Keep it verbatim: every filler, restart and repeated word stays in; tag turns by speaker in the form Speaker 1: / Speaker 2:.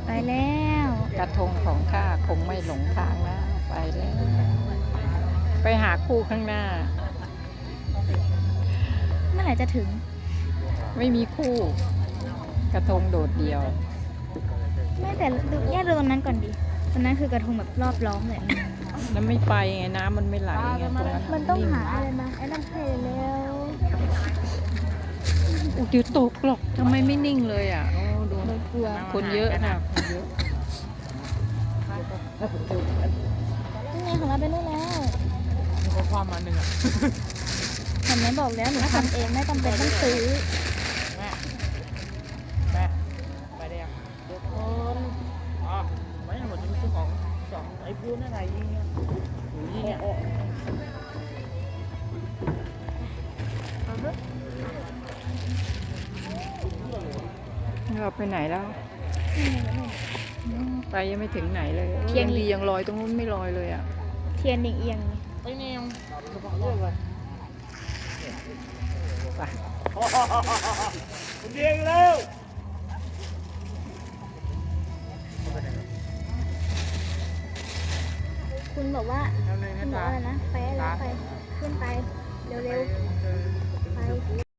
Speaker 1: ไปแล้ว
Speaker 2: กระทงของข้าคงไม่หลงทางนะไปแล้วไปหาคู่ข้างหน้า
Speaker 1: เมื่อไหร่จะถึง
Speaker 2: ไม่มีคู่ กระทงโดดเดี่ยว
Speaker 1: ไม่แต่ดูแยกดูตรงนั้นก่อนดิตรงนั้นคือกระทงแบบรอบล้อมเลย
Speaker 2: น้ำไม่ไปไงน้ำมันไม่ไหลไงตรงนั้น
Speaker 1: มันต้องหาอะไรมาไอ้น้ำเพลแล้ว
Speaker 2: อุยเดี๋ยวตกหรอกทำไมไม่นิ่งเลยอ่ะโอ้ดู
Speaker 1: กลัว
Speaker 2: คนเยอะนะคนเยอะ
Speaker 1: นี่ไงของเราไปนู่นแล้ว
Speaker 2: เขาความมาหนึ่งอ่ะ
Speaker 1: เห็นไหมบอกแล้วหนูทำเองไม่จำเป็นต้องซื้อ
Speaker 2: แม่แม่ไปเดียวทุกคนอ๋อไม่หมดจะมีซื้อของสองไอ้พูดนั่นไงยิงเนี่ยยิงเนี่ยเราไปไหนแล้ว ไปยังไม่ถึงไหนเลยยังดียังลอยตรงนู้นไม่ลอยเลยอ่ะ
Speaker 1: เทียนเอียงๆ
Speaker 2: ไปเนี่ยเรื่องเลยไปคุณเดียงแล้ว
Speaker 1: คุณบอกว่าคุณบอกว่าอะไรนะไปแล้วไปขึ้นไปเร็วๆไป